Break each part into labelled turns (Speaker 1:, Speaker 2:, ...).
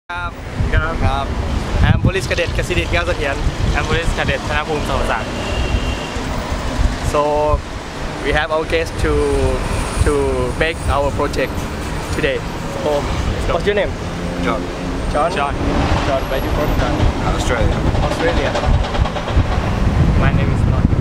Speaker 1: ครับแอม Police Cadet กสิดิษฐ์แก้วเสถียร
Speaker 2: I'm Police Cadet ธนภูมิสมศักดิ์
Speaker 1: So we have our guest to make our project today. So what's your name?
Speaker 3: John.
Speaker 1: John. Where you from? John?
Speaker 3: Australia.
Speaker 1: Australia.
Speaker 2: My name is Not.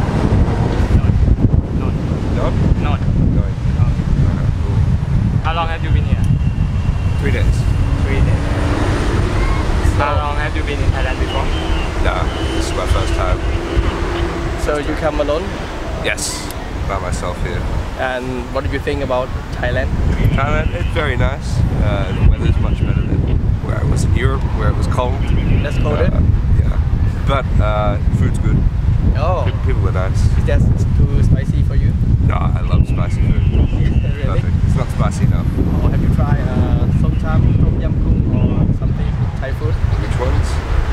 Speaker 3: John?
Speaker 2: Not.
Speaker 3: Going. Cool.
Speaker 2: How long have you been here?
Speaker 3: 3 days.
Speaker 2: 3 days. How long have you been in Thailand before?
Speaker 3: Nah, this is my first time.
Speaker 1: So you come alone,
Speaker 3: Yes, by myself here.
Speaker 1: and what do you think about Thailand?
Speaker 3: Thailand, it's very nice. The weather's much better than where I was in Europe, where it was cold.
Speaker 1: That's colder.
Speaker 3: Yeah, but food's good.
Speaker 1: Oh,
Speaker 3: People are nice.
Speaker 1: is that too spicy for you?
Speaker 3: No, I love spicy food.
Speaker 1: Really?
Speaker 3: Perfect. It's not spicy enough.
Speaker 1: Or have you tried som tam, tom yum goong, or something Thai food?
Speaker 3: Which ones?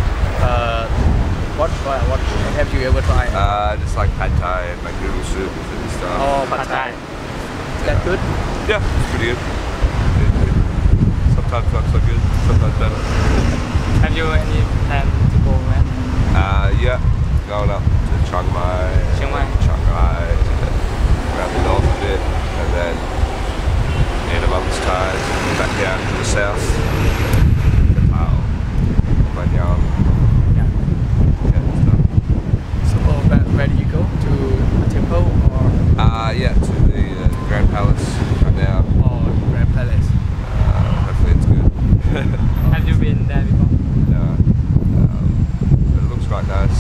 Speaker 1: What have you ever tried?
Speaker 3: Just like pad thai and like noodle soup and stuff.
Speaker 1: Oh, pad
Speaker 2: Pad
Speaker 1: thai.
Speaker 2: Thai.
Speaker 1: Is that good?
Speaker 3: Yeah, it's pretty good. Sometimes not so good, sometimes better.
Speaker 2: Have you any plan to go where?
Speaker 3: Yeah, going up to Chiang Mai,
Speaker 2: Chiang Mai.
Speaker 3: Shanghai, around the north a bit, and then in a month's time, back down to the south, Nepal, Banyang,
Speaker 2: Yeah.
Speaker 3: stuff.
Speaker 1: So where do you go? To a temple or
Speaker 3: Yeah, to the Grand Palace right now.
Speaker 1: Grand Palace?
Speaker 3: Hopefully it's good.
Speaker 2: Have you been there before?
Speaker 3: No, but it looks quite nice.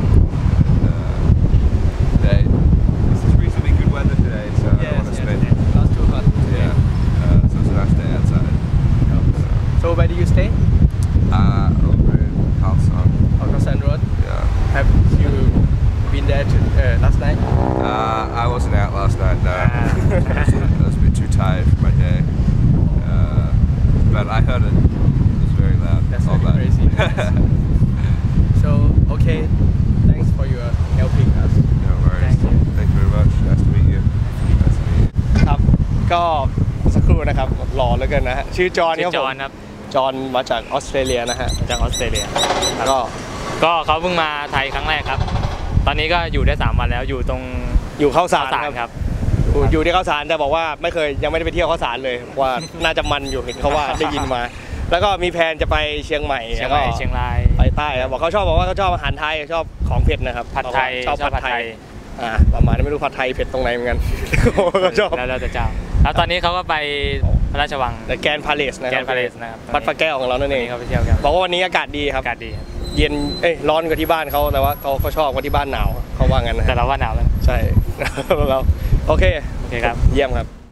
Speaker 3: And, this is reasonably good weather today, so I want to spend.
Speaker 1: Not too hot.
Speaker 3: Yeah, so it's a nice day outside.
Speaker 1: So where do you stay?
Speaker 3: Over in Khalsan.
Speaker 1: Alkasan Road.
Speaker 3: Yeah.
Speaker 1: Have you been there last night?
Speaker 3: I wasn't out last night. No, I was a bit too tired for my day. But I heard it. It was very loud.
Speaker 1: That's
Speaker 3: all
Speaker 1: very crazy. So okay, thanks for your helping us.
Speaker 3: No worries.
Speaker 2: Thank you.
Speaker 3: Thank you very much. Nice to meet you. Nice to meet you.
Speaker 1: ครับก็สักครู่นะครับหล่อเหลือเกินนะฮะชื่อจอห์น
Speaker 2: ชื่
Speaker 1: ค
Speaker 2: อ
Speaker 1: รับ
Speaker 2: จ
Speaker 1: ผ
Speaker 2: อห์
Speaker 1: ม
Speaker 2: นครับ
Speaker 1: จอห์นมาจากออสเตรเลียนะฮะ
Speaker 2: จากออสเตรเลีย
Speaker 1: ก็
Speaker 2: ก็เขาเพิ่งมาไทยครั้งแรกครับ ตอนนี้ก็อยู่ได้3 วันแล้วอยู่ตรง
Speaker 1: อยู่เข้าสาร
Speaker 2: สาร
Speaker 1: ค
Speaker 2: ค
Speaker 1: รั
Speaker 2: รั
Speaker 1: บบ อยู่ที่เข้าสารแต่บอกว่าไม่เคยยังไม่ได้ไปเที่ยวเข้าสารเลยว่าน่าจะมันอยู่เห็นเขาว่า ได้ยินมา แล้วก็มีแผนจะไปเชียงใหม่
Speaker 2: เชียง
Speaker 1: แล้ว
Speaker 2: ให
Speaker 1: ก็
Speaker 2: ม่เชียงราย
Speaker 1: ไปใต้ครับบอกเขาชอบอาหารไทยชอบของเผ็ดนะครับ
Speaker 2: ผัดไทย
Speaker 1: ชอบผัดไทยประมาณนี้ไม่รู้ผัดไทยเผ็ดตรงไหนเหมือนกันก็ชอบ
Speaker 2: แล้วแต่เจ้าแล้วตอนนี้เขาก็ไปพระราชวัง
Speaker 1: แต่แกรนด์พาเลสนะค
Speaker 2: แก
Speaker 1: รั
Speaker 2: นพาเลสนะครับ
Speaker 1: วัดพระแก้วของเรานั่นเอง
Speaker 2: เขาไปเที่ยวกัน
Speaker 1: บอกว่าวันนี้อากาศดีครับ
Speaker 2: อากาศดีครับ
Speaker 1: เย็นร้อนกว่าที่บ้านเขาแต่ว่าเขาชอบกว่าที่บ้านหนาวเขาว่างั้นนะ
Speaker 2: แต่เราว่าหนาวแล้ว
Speaker 1: ใช่ แล้วโอเค
Speaker 2: โอเคครับ
Speaker 1: เยี่ยมครับ